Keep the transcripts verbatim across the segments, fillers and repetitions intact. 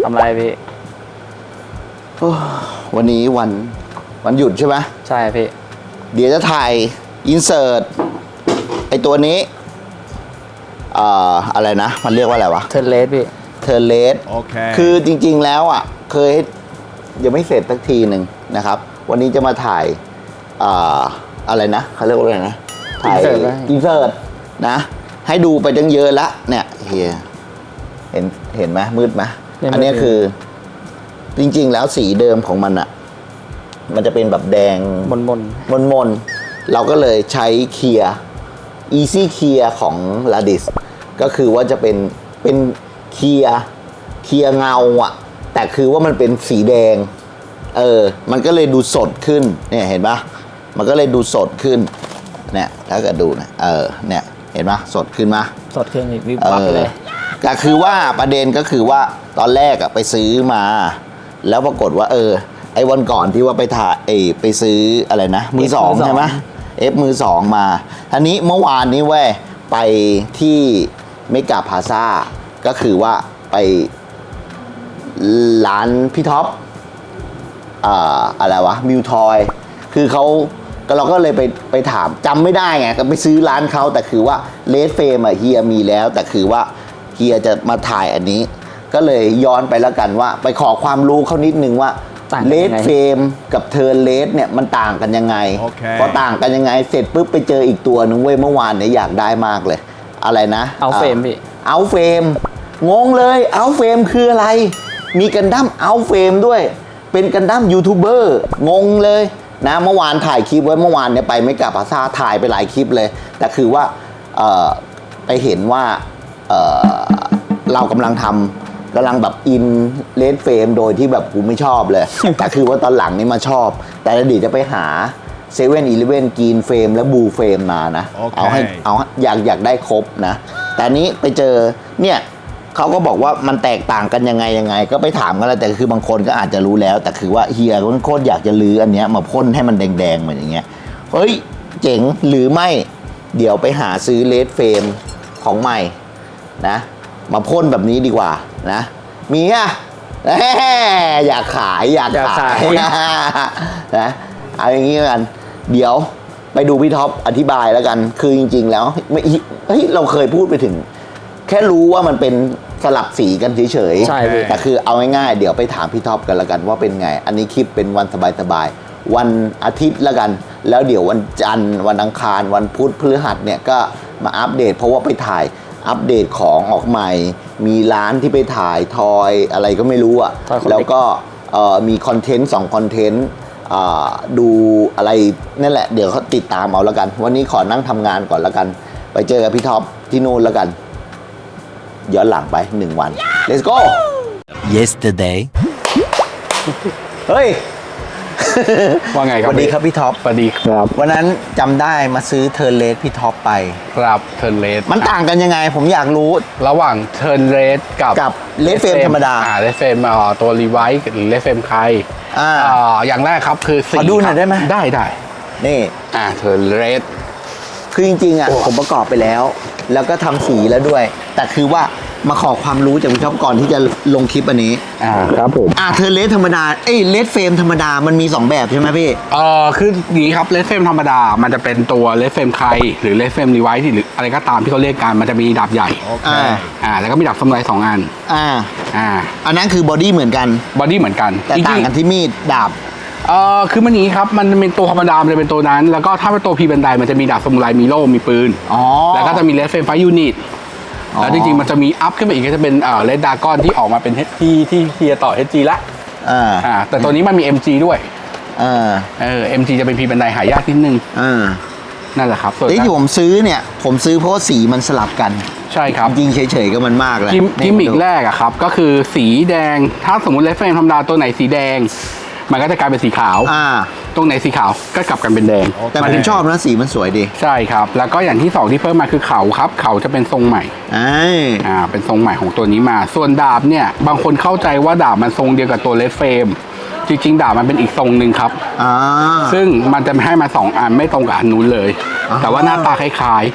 ทำไรพี่วันนี้วันวันหยุดใช่ไหมใช่พี่เดี๋ยวจะถ่ายอินเสิร์ตไอตัวนี้อ่าอะไรนะมันเรียกว่าอะไรวะเทิร์นเลสพี่เทิร์นเลสโอเคคือจริงๆแล้วอ่ะเคยยังไม่เสร็จสักทีหนึ่งนะครับวันนี้จะมาถ่ายอ่าอะไรนะเขาเรียกว่าอะไรนะถ่ายอินเสิร์ตนะให้ดูไปตั้งเยอะละเนี่ยเฮียเห็นเห็นไหมมืดไหมอันนี้คือจริงๆแล้วสีเดิมของมันอะมันจะเป็นแบบแดงมนมนมนมนเราก็เลยใช้เคลียร์ Easy Clear ของ Ladis ก็คือว่าจะเป็นเป็นเคลียร์เคลียร์เงาอะแต่คือว่ามันเป็นสีแดงเออมันก็เลยดูสดขึ้นเนี่ยเห็นปะมันก็เลยดูสดขึ้นเนี่ยถ้าเกิดดูนะเออเนี่ยเห็นปะสดขึ้นมาสดขึ้นอีกวิบวับเลยก็คือว่าประเด็นก็คือว่าตอนแรกอะไปซื้อมาแล้วปรากฏว่าเออไอ้วันก่อนที่ว่าไปถ่ายเอไปซื้ออะไรนะมือสองใช่ไหมเอฟมือสองมาทีนี้เมื่อวานนี้เว้ยไปที่เมกาพาซ่าก็คือว่าไปร้านพี่ท็อปอ่าอะไรวะมิวทอยคือเขาก็เราก็เลยไปไปถามจำไม่ได้ไงก็ไปซื้อร้านเขาแต่คือว่าเลดเฟรมอะเฮียมีแล้วแต่คือว่าเฮียจะมาถ่ายอันนี้ก็เลยย้อนไปแล้วกันว่าไปขอความรู้เขานิดนึงว่าเลดเฟรมกับเทิร์นเลดเนี่ยมันต่างกันยังไง okay. พอต่างกันยังไงเสร็จปุ๊บไปเจออีกตัวนึงเว้ยเมื่อวานเนี่ยอยากได้มากเลยอะไรนะเอาเฟรมพี่เอาเฟรมงงเลยเอาเฟรมคืออะไรมีกันดั้มเอาเฟรมด้วยเป็นกันดั้มยูทูบเบอร์งงเลยนะเมื่อวานถ่ายคลิปไว้เมื่อวานเนี่ยไปไม่กลับภาษาถ่ายไปหลายคลิปเลยแต่คือว่าเอ่อไปเห็นว่าเอ่อเรากำลังทำกำลังแบบอินเลดเฟรมโดยที่แบบกูไม่ชอบเลย แต่คือว่าตอนหลังนี่มาชอบแต่เดี๋ยวจะไปหาเซเว่นอีเลฟเว่นกรีนเฟรมและบูเฟรมมานะ okay. เอาให้เอาอยากอยากได้ครบนะแต่นี้ไปเจอเนี่ยเขาก็บอกว่ามันแตกต่างกันยังไงยังไงก็ไปถามกันแล้วแต่คือบางคนก็อาจจะรู้แล้วแต่คือว่าเฮียก็โคตรอยากจะลื้ออันเนี้ยมาพ่นให้มันแดงๆเหมือนอย่างเงี้ยเฮ้ยเจ๋งหรือไม่เดี๋ยวไปหาซื้อเลดเฟรมของใหม่นะมาพ่นแบบนี้ดีกว่านะมีอ่ะอยากขายอยากขายนะเอาอย่างนี้กันเดี๋ยวไปดูพี่ท็อปอธิบายแล้วกันคือจริงๆแล้วไม่เฮ้ยเราเคยพูดไปถึงแค่รู้ว่ามันเป็นสลับสีกันเฉยๆใช่แต่คือเอาง่ายๆเดี๋ยวไปถามพี่ท็อปกันแล้วกันว่าเป็นไงอันนี้คลิปเป็นวันสบายๆวันอาทิตย์แล้วกันแล้วเดี๋ยววันจันทร์วันอังคารวันพุธพฤหัสเนี่ยก็มาอัปเดตเพราะว่าไปถ่ายอัปเดตของออกใหม่มีร้านที่ไปถ่ายทอยอะไรก็ไม่รู้อ่ะแล้วก็มีคอนเทนต์สองคอนเทนต์ดูอะไรนั่นแหละเดี๋ยวเขาติดตามเอาแล้วกันวันนี้ขอนั่งทำงานก่อนแล้วกันไปเจอกับพี่ท็อปที่นู่นแล้วกันย้อนหลังไปหนึ่งวัน let's go yesterday เฮ้ยว่าไงครับสวัสดีครับพี่ท็อปสวัสดีครับวันนั้นจำได้มาซื้อเทิร์นเลสพี่ท็อปไปครับเทิร์นเลสมันต่างกันยังไงผมอยากรู้ระหว่างเทิร์นเลสกับกับเลสเฟรมธรรมดาอ่าเลสเฟรมตัวรีไวซ์หรือเลสเฟรมใครอ่าอย่างแรกครับคือสีขอดูหน่อยได้ไหมได้ได้นี่อ่าเทิร์นเลสคือจริงๆอ่ะผมประกอบไปแล้วแล้วก็ทำสีแล้วด้วยแต่คือว่ามาขอความรู้จากพี่ท็อปก่อนที่จะลงคลิปอันนี้อ่าครับผมอ่าเทิร์นเลสธรรมดาเอ้ยเลสเฟรมธรรมดามันมีสองแบบใช่ไหมพี่เออคืออย่างนี้ครับเลสเฟรมธรรมดามันจะเป็นตัวเลสเฟรมใครหรือเลสเฟรมรีไวซ์หรืออะไรก็ตามที่เขาเรียกกันมันจะมีดาบใหญ่อ่าอ่าแล้วก็มีดาบสมุไรสองอันอ่าอ่าอันนั้นคือบอดี้เหมือนกันบอดี้เหมือนกันแต่ต่างกันที่มีดดาบเอ่อคือมันนี้ครับมันเป็นตัวธรรมดามันจะเป็นตัวนั้นแล้วก็ถ้าเป็นตัวพีบันไดมันจะมีดาบสมุไรมีโล่มีปืนอ๋อแล้วก็จะมีเลสเฟรมไฟยูนิตแล้วจริงๆมันจะมีอัพขึ้นไปอีกก็จะเป็นเอ่อเลดดากอนที่ออกมาเป็นที่ที่เทียต่อ เอช จี ละอ่าอ่าแต่ตัวนี้มันมี เอ็ม จี ด้วยอ่าเออ เอ็ม จี จะเป็นพีบันไดหายากนิดนึงอ่านั่นแหละครับส่วนที่ผมซื้อเนี่ยผมซื้อเพราะว่าสีมันสลับกันใช่ครับจริงเฉยๆก็มันมากเลยกิมมิกแรกอะครับก็คือสีแดงถ้าสมมติเลสเฟรมธรรมดาตัวไหนสีแดงมันก็จะกลายเป็นสีขาวอ่าตรงไหนสีขาวก็กลับกันเป็นแดงแต่ผมชอบนะสีมันสวยดีใช่ครับแล้วก็อย่างที่สองที่เพิ่มมาคือเขาครับเขาจะเป็นทรงใหม่อ่าเป็นทรงใหม่ของตัวนี้มาส่วนดาบเนี่ยบางคนเข้าใจว่าดาบมันทรงเดียวกับตัวเลสเฟรมจริงๆดาบมันเป็นอีกทรงหนึ่งครับอ่าซึ่งมันจะให้มาสองอันไม่ตรงกับอันนู้นเลยแต่ว่าหน้าตาคล้ายๆ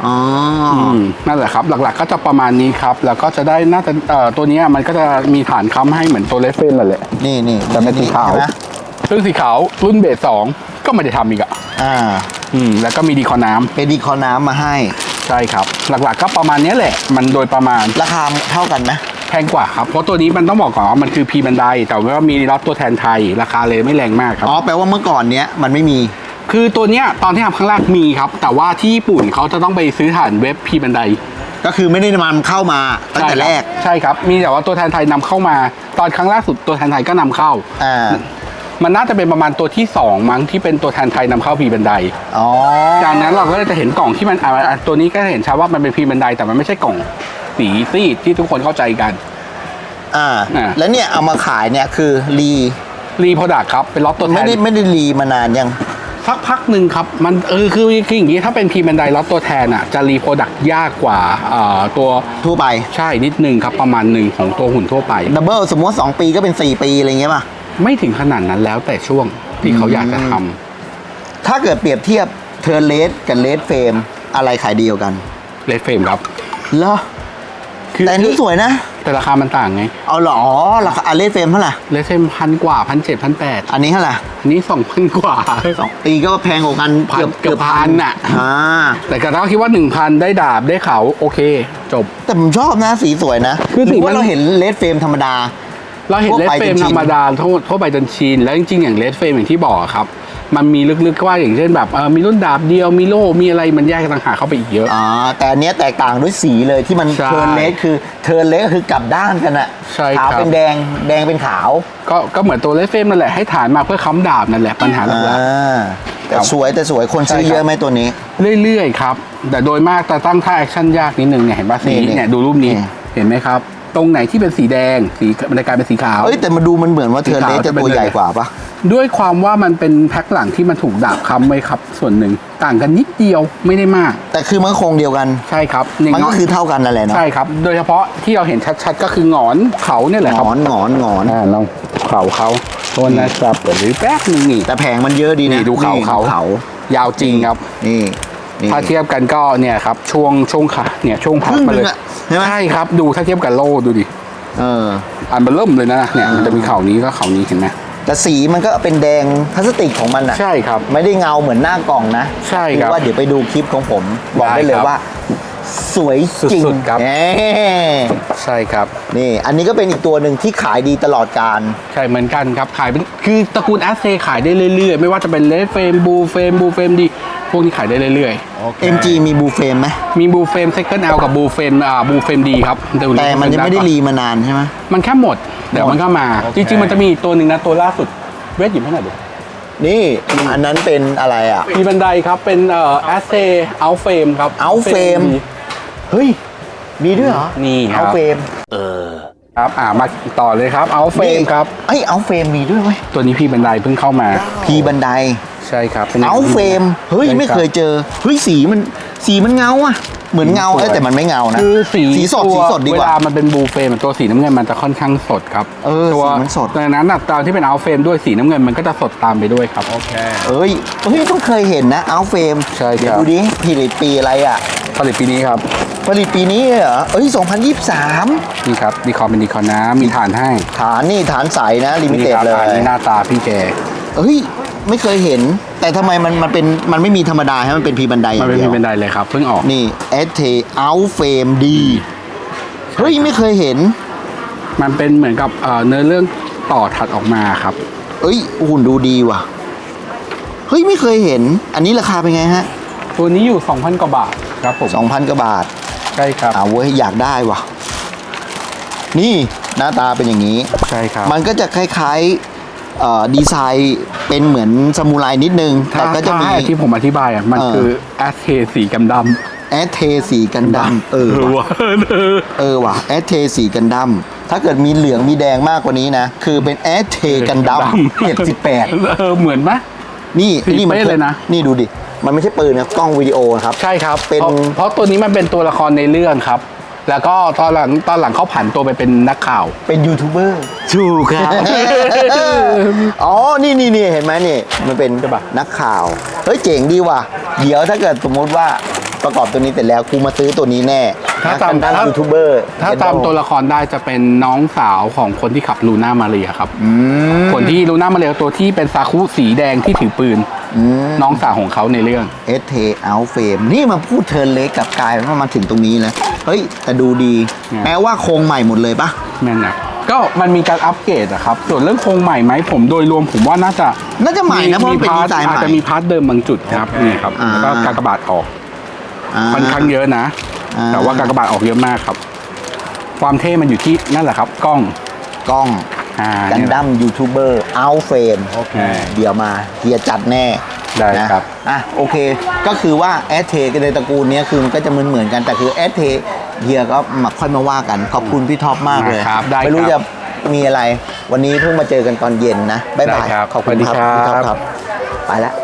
อ๋ออืมนั่นแหละครับหลักๆก็จะประมาณนี้ครับแล้วก็จะได้น่าจะเอ่อตัวเนี้ยมันก็จะมีฐานค้ำให้เหมือนตัวเลฟเฟนนั่นแหละนี่นี่แต่เป็นสีขาวใช่ไหมซึ่งสีขาวรุ่นเบสสองก็ไม่ได้ทำอีกอ่ะอ่าอืมแล้วก็มีดีคอน้ำเป็นดีคอน้ำมาให้ใช่ครับหลักๆก็ประมาณเนี้ยแหละมันโดยประมาณราคาเท่ากันไหมแพงกว่าครับเพราะตัวนี้มันต้องบอกก่อนว่ามันคือพีบันไดแต่ว่ามีรับตัวแทนไทยราคาเลยไม่แรงมากครับอ๋อแปลว่าเมื่อก่อนเนี้ยมันไม่มีคือตัวเนี้ยตอนที่ทำครั้งแรกมีครับ แต่ว่าที่ญี่ปุ่นเขาจะต้องไปซื้อฐานเว็บพีบันไดก็คือไม่ได้นำเข้ามาตั้งแต่แรกใช่ครับมีแต่ว่าตัวแทนไทยนำเข้ามา ตอนครั้งล่าสุดตัวแทนไทยก็นำเข้าอ่ามันน่าจะเป็นประมาณตัวที่สองมั้งที่เป็นตัวแทนไทยนำเข้าพีบันไดอ๋อจากนั้นเราก็จะเห็นกล่องที่มันอ่าตัวนี้ก็เห็นชัดว่ามันเป็นพีบันไดแต่มันไม่ใช่กล่องสีซีดที่ทุกคนเข้าใจกันอ่าอ่าแล้วเนี่ยเอามาขายเนี่ยคือรีรีโปรดักครับเป็นล็อตตัวแทไม่นได้ไม่ได้รีมานานยังสักพักหนึ่งครับมันเออคือคืออย่างนี้ถ้าเป็นพีบันไดล็อตตัวแทนอ่ะจะรีโปรดักยากกว่าอ่าตัวทั่วไปใช่นิดนึงครับประมาณหนึ่งของตัวหุ่นทั่วไปดับเบิลสมมติสองปีก็เป็นสี่ปีอะไรเงี้ยป่ะไม่ถึงขนาดนั้นแล้วแต่ช่วงที่เขาอยากจะทำถ้าเกิดเปรียบเทียบเทอร์เลสกับเลสเฟรมอะไรขายดีกว่ากันเลดเฟรมครับเหรอคือแต่อันนี้สวยนะแต่ราคามันต่างไงเอาเหรออ๋อราคาเลสเฟรมเท่าไหร่เลดเฟรมพันกว่าพันเจ็ดพันแปดอันนี้เท่าไหร่อันนี้สองพันกว่าสองปีก็แพงกว่ากันพันเกือบเกือบพันน่ะอ่าแต่ก็เราคิดว่าหนึ่งพันได้ดาบได้เขาโอเค จบแต่ผมชอบนะสีสวยนะคือสีหรืว่ามันเราเห็นเลสเฟรมธรรมดาเราเห็นทั่วเลดไปเฟรมจนชินธรรมดาทั่วทั่วไปจนชินแล้วจริงๆอย่างเลดเฟรมอย่างที่บอกอะครับ มันมีลึกๆว่าอย่างเช่นแบบเออมีรุ่นดาบเดียวมีโล่มีอะไรมันแยกต่างหากเข้าไปอีกเยอะอ่าแต่อันเนี้ยแตกต่างด้วยสีเลยที่มันใช่เทิร์นเลสคือเทิร์นเลสก็คือกลับด้านกันอะใช่ขาวครับเป็นแดงแดงเป็นขาวก็ก็เหมือนตัวเลดเฟรมนั่นแหละให้ฐานมาเพื่อค้ำดาบนั่นแหละปัญหาหลักอ่าแต่ครับสวยแต่สวยคนซื้อใช่ครับเยอะไหมตัวนี้ๆเรื่อยๆครับแต่โดยมากจะตั้งท่าแอคชั่นยากนิดนึงเนี่ยเห็นป่ะสีนี่เนี่ยดูรูปนี้นี่เห็นไหมครับ ตรงไหนที่เป็นสีแดงสีมันจะกลายเป็นสีขาวเอ้ยแต่มาดูมันเหมือนว่าเทิร์นเลสจะตัวใหญ่กว่าปะด้วยความว่ามันเป็นแพ็คหลังที่มันถูกดาบค้ำไว้ครับ ส่วนหนึ่งต่างกันนิดเดียวไม่ได้มากแต่คือมันก็คงเดียวกันใช่ครับมันก็คือเท่ากันนั่นแหละเนาะใช่ครับ โดยเฉพาะที่เราเห็นชัดๆก็คือหงอนเขาเนี่ยแหละหคงรับอนหงอนหงอนอ่าลองเขาเขาโทษนะครับเดี๋ยวดูแป๊บนึงนี่แต่แผงมันเยอะดีนะนี่ดูเขาเขาเขายาวจริงครับนี่นี่ถ้าเทียบกันก็เนี่ยครับช่วงช่วงขาเนี่ยช่วงพัคบรึ่งมาหเลนึยงอะใช่ไหมใช่ครับดูถ้าเทียบกับโล่ดูดิเอออันเบอร์เริ่มเลยนะเนี่ยมันจะมีเขานี้ก็เขานี้เห็นไหมแต่สีมันก็เป็นแดงพลาสติกของมันอะใช่ครับไม่ได้เงาเหมือนหน้ากล่องนะใช่ครับอว่าเดี๋ยวไปดูคลิปของผม บอกได้ได้เลยครับว่า สวยจริงสุดๆครับแหมใช่ครับนี่ อันนี้ก็เป็นอีกตัวหนึ่งที่ขายดีตลอดการใช่เหมือนกันครับขายเป็นคือตระกูลแอสเซขายได้เรื่อยๆ ไม่ว่าจะเป็นเลดเฟรมบูเฟรมบูเฟรมดีพวกนี้ขายได้เรื่อยเอ็ม จี มีบูเฟรมไหมๆ มีบูเฟรมเซคันด์แอลกับบูเฟรมอ่าบูเฟรมดีครับแต่มันยังไม่ได้รีมานานใช่ไหมมันแค่หมด เดี๋ยวมันก็มาโอเคจริงๆ มันจะมีอีกตัวหนึ่งนะ ตัวล่าสุดเวทหยิบให้หน่อยดินี่ อันนั้นเป็นอะไรอ่ะมีบันไดครับ เป็นเอ่อแอสเซเอาเฟรมครับ Out Frame เฮ้ย มีด้วยเหรอนี่ครับเอาเฟรมครับอ่ามาต่อเลยครับเอาเฟรมครับเอ้ยเอาเฟรมมีด้วยไหมตัวนี้พี่บันไดเพิ่งเข้ามาพีบันไดใช่ครับป็นเอาเฟรมเฮ้ยใช่รับไม่เคยเจอ เฮ้ย สีมัน สีมันเงาอ่ะ เหมือนเงาสวยเอ้ยแต่มันไม่เงานะคือสีสีสดตัวสีสดดีกเวว่าลามันเป็นบูเฟรมตัวสีน้ำเงินมันจะค่อนข้างสดครับเออตัวสีมันสดดังนั้นน่ะตอนที่เป็นเอาเฟรมด้วยสีน้ำเงินมันก็จะสดตามไปด้วยครับโอเคเอ้ยเฮ้ยต้องเคยเห็นนะเอาเฟรมใช่ครับเดี๋ยวดูดิผลิตปีอะไรอ่ะผลิตปีนี้ครับผลิตปีนี้เหรอ เอ้ยสองพันยี่สิบสามนี่ครับดีคอมเป็นดีคอนะมีฐานให้ฐานนี่ฐานใสนะลิมินี่เต็ดครับเลยฐานนี้หน้าตาพี่แกเอ้ย ไม่เคยเห็น แต่ทำไมมันมันเป็นมันไม่มีธรรมดาให้มันเป็นพีบันไดอมันย่างเป็นเดีมียวบันไดเลยครับเพิ่งออกนี่เอสเทเอาเฟรมดีเฮ้ย ไม่เคยเห็นมันเป็นเหมือนกับเอ่อเนื้อเรื่องต่อถัดออกมาครับเอ้ยหุ่นดูดีว่ะ เฮ้ย ไม่เคยเห็น อันนี้ราคาเป็นไงฮะตัวนี้อยู่ สองพัน กว่าบาทครับผมสองพันกว่าบาทใช่ครับอ่าเว้ยอยากได้ว่ะ นี่หน้าตาเป็นอย่างนี้ใช่ครับมันก็จะคล้ายๆเอ่อดีไซน์เป็นเหมือนซามูไรนิดนึงถ้าแต่ก็จะมีถ้าที่ผมอธิบายอ่ะมันเออคือแอสเทสีกำดำแอสเทสีกันดำเออว่ะเออเออว่ะแอสเทสีกันดำถ้าเกิดมีเหลืองมีแดงมากกว่านี้นะ คือเป็นแอสเทกันดำเจ็ดสิบแปดเออเหมือนไหมนี่สีนี่มันเป๊ะเลยนะนี่ดูดิ มันไม่ใช่ปืนนะกล้องวิดีโอนะครับใช่ครับเป็นพราะเพราะตัวนี้มันเป็นตัวละครในเรื่องครับ แล้วก็ตอนหลังตอนหลังเขาผันตัวไปเป็นนักข่าวเป็นยูทูบเบอร์ถูกครับอ๋อ นี่นี่นี่เห็นไหมนี่ มันเป็นใช่ปะนักข่าว เฮ้ย เจ๋งดีว่ะ เดี๋ยวถ้าเกิดสมมติว่าประกอบตัวนี้เสร็จแล้วกูมาซื้อตัวนี้แน่ถ้านะตามกันดั้มถ้ายูทูบเบอร์ถ้าตามตัวละครได้จะเป็นน้องสาวของคนที่ขับลูน่ามาเรียครับอืมคนที่ลูน่ามาเรียตัวที่เป็นซาคุสีแดงที่ถือปืนอืมน้องสาวของเขาในเรื่องเอสเทเอาเฟรมนี่มาพูดเทิร์นเล็กกับกายว่ามาถึงตรงนี้เลยเฮ้ยแต่ดูดีเนี่ยแม้ว่าโครงใหม่หมดเลยปะแม่นนะก็มันมีการอัปเกรดอะครับ ส่วนเรื่องโครงใหม่ไหมผมโดยรวมผมว่าน่าจะน่าจะใหม่นะเพราะมันเป็นดีพาร์ทไซน์ใหอาจม่จะมีพาร์ทเดิมบางจุดครับนี่ครับอ่าแล้วก็การกระบาดออกอ่าค่อนข้างเยอะนะอ่าแต่ว่าการกระบาดออกเยอะมากครับ ความเท่มันอยู่ที่นั่นแหละครับ กล้องกล้องอ่ากันเนี่ยดั้มยูทูบเบอร์เอาเฟรมโอเคเดี๋ยวมาเฮียจัดแน่ได้นะครับ อ่ะโอเค ก็คือว่าแอสเทกันในตระกูลเนี้ยคือมันก็จะเหมือนเหมือนๆกันแต่คือแอสเทเฮียก็มาค่อยมาว่ากัน ขอบคุณพี่ท็อปมากเลยครับได้ไม่รู้คจะรับมีอะไร วันนี้เพิ่งมาเจอกันตอนเย็นนะบ๊ายบายได้ครับขอบคุณสวัสดีครับครับพี่ท็อปครับ ไปแล้ว